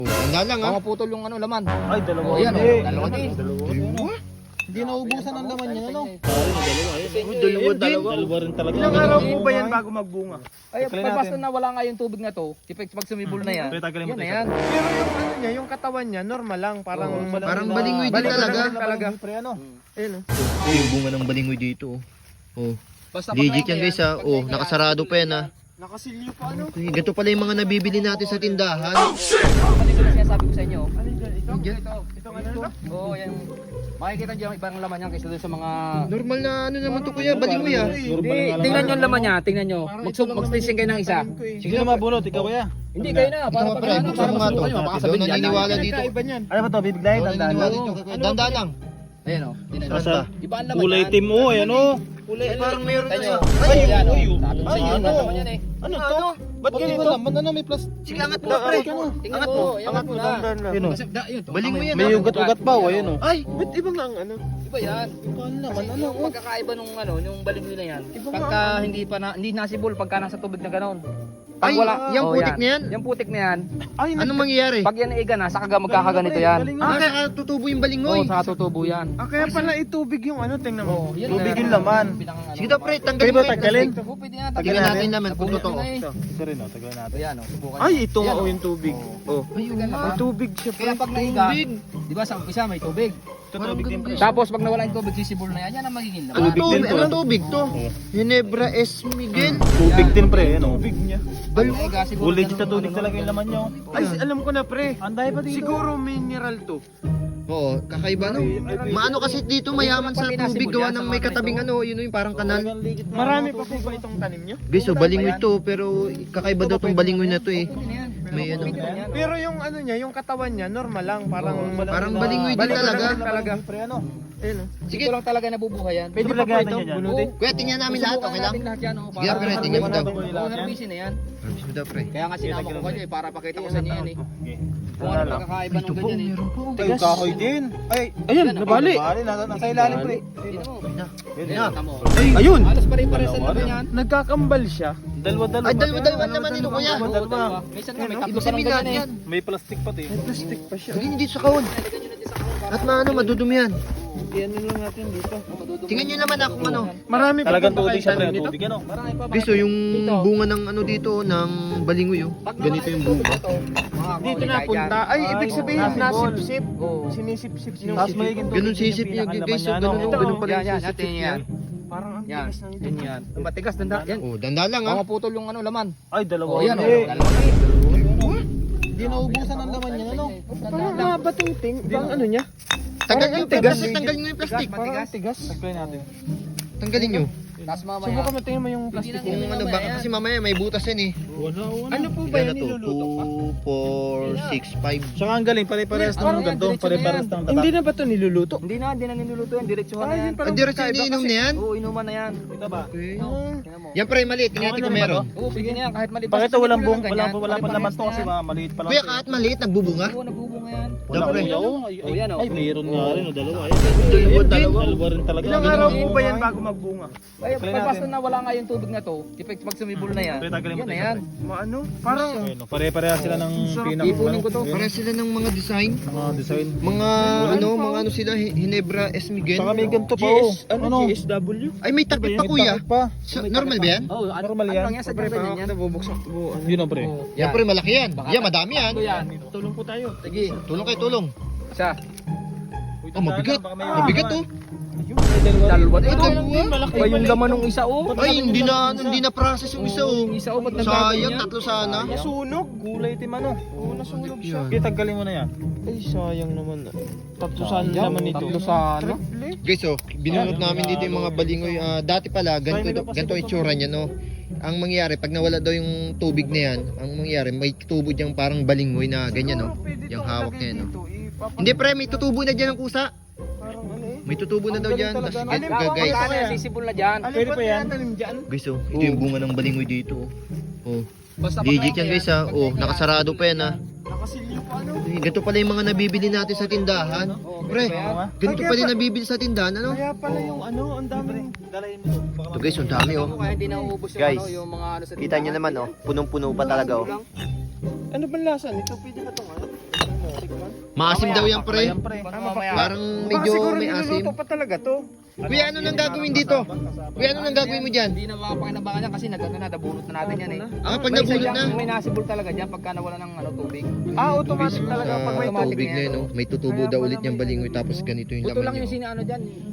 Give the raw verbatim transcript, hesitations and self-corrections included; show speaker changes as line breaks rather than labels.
Tanda lang ha.
Baka putol yung ano laman.
Ay, dalawa.
Oh, yan,
Eh,
oh. Dalawa din.
Dalawa?
Hindi naubusan ang laman niya, ano?
Dalawa, dalawa.
Dalawa rin talaga.
Ilang araw po ba yan bago magbunga?
Ay,
Tagalin
pag basta
natin.
nawala nga yung tubig na to, tipik pag sumibol na yan,
Pero tagalin mo
yan na
tayo.
yan.
Pero yung ano niya, yung katawan niya, normal lang. Parang,
Oo,
Parang balingoy din
Balingoy
talaga.
din talaga.
Pre, ano?
Ayun, oh.
Oh, yung bunga ng balingoy dito. Oh.
Basta
Legit
pag
yan guys ha.
pag
Oh,
kaya-
nakasarado pa yan ha.
Nakasilyo pa, ano?
Okay, ganito pala yung mga nabibili natin sa tindahan.
Ano yung sinasabi ko sa inyo?
Ano dyan? Ito?
Diyan.
Ito? Itong ano ito?
Oo, yan. Makikita nyo yung ibang laman yan kaysa doon sa mga...
Normal na ano naman to kuya, balingoy ha.
Hindi, tingnan nyo yung laman niya, tingnan nyo. Mag-spacing kayo ng isa.
Sige na mabunot, ikaw kaya.
Hindi kayo na, para
Ito
pag
pre,
ano,
buksan
para
mo nga to.
masubukan nyo, baka
Daw
sabihin yan.
naniniwala dito.
Kakaiba niyan.
Ano ba to? Bibiglayin,
Daw
tandaan
naniniwala
mo.
dito. Danda lang.
Ayan o.
Basta.
Iba ang laman
Kulay
yan.
team mo, ayan o.
Kulay,
parang meron na
Tingnan
siya.
nyo.
Ay,
Ayan o.
ay,
Sabi ko sa inyo,
ano?
ang laman yan eh.
Ano to? Ba't ganito? Laman ano, may plastic.
sige angat mo pre.
Tingnan
Angat
mo,
mo.
angat mo na.
Yun o.
Kasi, da, yun, to,
Baling mo
tama
yan,
yun.
May ugat-ugat pa, o, ayun o.
Ay,
Ba't ibang ang ano?
Iba yan.
Paano naman,
Kasi
ano?
yung pagkakaiba nung ano, yung balingoy na yan. Pagka hindi pa na, hindi nasibol pagka nasa tubig na gano'n.
ay, yung
oh,
putik na yan.
Yung putik na yan.
Ay,
Anong mangyayari?
Pag yan iga na, saka magkakaganito yan.
Ah, kaya tutubo yung
Oo,
balingoy.
saka tutubo yan.
Ah, kaya pala itubig yung ano, tingnan
Oo,
mo.
yun
Tubig
na-
yung laman.
pinakang ano.
Sige daw pre,
Pwede
tanggalin
ba
mo yung
tanggalin?
plastic.
Oo, pwede nga.
Tingnan natin naman kung
Nabubuo
totoo.
na eh.
Ito, ito rin o, tagalin natin.
Ayan o, subukan
Ay,
nyo.
ito nga
Yan,
oh,
oh.
yung tubig. Oh.
Ay, oo
May
nga.
May tubig siya,
Kaya
pre.
pag naiga,
Tubig.
di ba sa umpisa may tubig.
Ito, tubig din pre.
Tapos pag nawala yung tubig, sisibol na yan, yan ang magiging laman.
Anong
Tubig din
tubig?
to,
Anong
ah.
tubig to? Ginebra S. Miguel.
Tubig din pre, ano?
Tubig niya.
Pag naiga, siguro
Kulay
ganun
sa tubig
ang
talaga
ano,
yung laman nyo.
Ay, alam ko na, pre.
Anday pa dito.
Siguro mineral to.
Oo, kakaiba no. Maano kasi dito mayaman sa tubig gawa ng may katabing ano, yun yung parang kanal.
Marami pa po ba itong tanim niyo?
Guys, so balingoy to pero kakaiba daw tong balingoy na to eh.
Pwede na yan.
May ano.
Pwede na yan.
Pero yung ano niya, yung katawan niya, normal lang. Parang
Parang balingoy din
Balingoy
talaga.
lang talaga.
Pre, ano?
Ayun, oh.
Sige lang talaga nabubuhay yan.
Pwede
Ito
pa po
lagyan
ito,
niya dyan.
bunutin.
Kuya, tingnan namin lahat,
Susubukan
okay lang?
natin lahat yan, oh,
Sige,
para-
pre, tingnan mo daw.
Oo, herbicide na yan.
Sige daw pre.
Kaya nga sinama ko kayo eh, para pakita ko sa inyo yan eh.
Okay.
Kung ano pagkakaiba nung ganyan eh.
Ay, kahoy din. Ay,
Ayun,
Yan,
nabali.
nabali. Nasa, nasa ilalim pre.
Tingnan mo.
Yun
Ayan,
na.
tamo.
Ayun!
Halos pare-pares ang laman yan.
Nagkakambal siya.
Dalawa-dalawa.
Ay, dalawa-dalawa naman nito kuya.
Oo,
dalawa.
dalawa. Minsan nga may tatlo
Ibig
pa lang
sabihin lahat
ganyan eh.
yan.
May plastic pati.
Plastic pa siya.
Lagyan nyo dito sa kahon.
Lagyan nyo na din sa kahon para
At maano, madudumi yan.
Iyan lang natin dito.
madudumi.
Tingnan nyo naman ako ano.
Marami pa
Talagang
po ba
tubig
kayo
siya pre.
tanim nito?
Tubig ano?
Marami pa.
Guys, so yung bunga ng ano dito, ng balingoy oh.
Pag
Ganito yung bunga.
Dito na punta. Ay, ibig sabihin,
Ay,
nasip-sip.
Oo.
Sinisip-sip yung
Tapos magiging tubig
Ganun
yung
sisip niya
pinakalaman
guys, so
niya,
ganun
no?
oh, ganun pala
Yan,
yung
yan,
sisip
natin
niya.
yan.
Parang ang
Yan,
tigas na ito.
yan yan. Ang matigas, danda, yan.
Oh, danda lang
Baka
ah.
maputol yung ano laman.
Ay, dalawa.
Oh, yan oh.
Eh,
Dalawa eh.
Hindi naubusan ang laman niya, ano?
Parang mga bating-ting. Bang ano niya?
Tanggalin
Parang
nyo,
ang tigas.
plastic, tanggalin nyo yung plastic.
Parang ang tigas.
Tagpay natin.
Tanggalin nyo.
Tapos mamaya.
Subukan mo tingnan mo yung plastic.
Kung ano ba, kasi mamaya may butas yan eh.
Ano po ba
Ilan na
yan
to?
niluluto pa?
two, four, six, five.
Tsaka ang galing, pare-parehas
Parang
ng
yan,
ganito.
diretso na
Pare-parehas
yan.
ng tata.
Hindi na ba ito niluluto?
Hindi na, hindi na niluluto yan. Diretsuhan na
Ah,
yan.
yun parang
Ang diretso
kakaiba
iniinom
kasi.
na yan?
Oo, inuman na yan.
Ito ba?
Okay.
Oo, tingnan mo.
Yan pre, maliit. Tingnan natin kung meron.
Oo, pwede na yan. Kahit maliit.
Bakit ito walang buong,
Ganyan,
wala pa wala pa
pare-parehas
naman to
na
kasi
yan.
mga maliit pa lang.
Kuya, kahit maliit, nagbubunga.
Oo, nagbubunga yan.
Wala
Pre.
kuya, oh. Ay,
Oh, yan, oh.
ay, mayroon nga rin, oh, dalawa. Ay,
Dalawa, dalawa.
Dalawa rin talaga.
Ilang araw po ba yan bago magbunga?
Ay,
Explain
pag basta
natin.
nawala nga yung tubig na to, tipik pag sumibol na yan,
Pre, tagalin mo
yan na
tayo,
yan.
Maano? Parang
Ayun, oh, pare-parehas sila ng pinang
Ipunin ko to.
Para sila ng mga design.
mga design.
Mga ano, mga ano sila, Hi- Ginebra S. Miguel.
Saka may ganito pa, oh.
G S, ano, G S W?
Ay, may takip pa
May
kuya.
takip pa.
So, normal ba yan?
Oo, ano,
Normal
ano
yan.
lang yan sa
Pre,
ganyan
parang
yan.
nabubuksak po. Ano?
Yun, oh, pre.
Oo,
Yan pre, malaki yan.
Baka-
Yan, madami yan.
Ito yan.
Tulong po tayo.
Sige,
Tulong kayo, tulong.
isa.
Oh, mabigat. Mabigat oh.
Dalawa.
Ay,
Ito,
dalawa.
ba yung laman ng isa oh?
Ay, hindi na, hindi na process yung isa oh.
Yung isa oh, ba't nagbago
Sayang,
yan?
tatlo sana.
Nasunog.
Kulay tim ano.
Oo, nasunog siya.
Yan.
Okay, tanggalin mo na yan.
Ay, sayang naman. Tatlo saan
Sayang,
naman ito?
tatlo sana.
Triple.
Guys, oh, binunot namin dito yung mga balingoy. Ah, dati pala, ganito, ganito ang itsura niya, no? Ang mangyayari, pag nawala daw yung tubig na yan, ang mangyayari, may tubo diyang parang balingoy na ganyan, no? Yung hawak niya, no? Hindi, pre, may tutubo na dyan ang kusa.
Parang ano eh.
May tutubo na daw dyan. Tapos,
Alin
guys,
ba?
guys,
Kaya sisibol na dyan.
Alin
Pwede
pa
pa yan?
tinatanim dyan?
guys, oh, ito yung bunga ng balingoy dito, oh. Oh,
Basta
legit
pag-
yan, guys, ha? Oh, nakasarado pa yan, ha?
Nakasilyo pa ano?
Eh, ganito pala yung mga nabibili natin sa tindahan. Pre, ganito pala yung nabibili sa tindahan, ano?
Kaya pala yung ano, ang daming.
Dalayin mo.
Ito guys, ang dami, oh.
Kaya hindi nauubos yung
Guys,
ano, yung mga ano sa
Kita nyo naman, oh. Punong-puno pa talaga, oh.
Ano ba lasa nito? Pwede ba itong ano?
Maasim daw yan, pre.
Ayan, pre.
Mamaya.
Parang
Baka
medyo
siguro
may asim.
niluluto pa talaga to.
Kuya, ano nang gagawin dito? Kuya, ano nang gagawin mo dyan?
Hindi na makapakinabangan yan kasi nag-ano na, nabulot na natin yan eh.
Ah, pag
May isa
nabulot
dyan,
na.
May nasibol talaga dyan pagka nawala ng ano, tubig.
Ah, automatic talaga pag may
Ah,
automatic
tubig
na
na
yan,
yun, no? May tutubo daw ulit yung balingoy tapos ganito yung
Buto lang
laman
yung
niya.
sinaano dyan.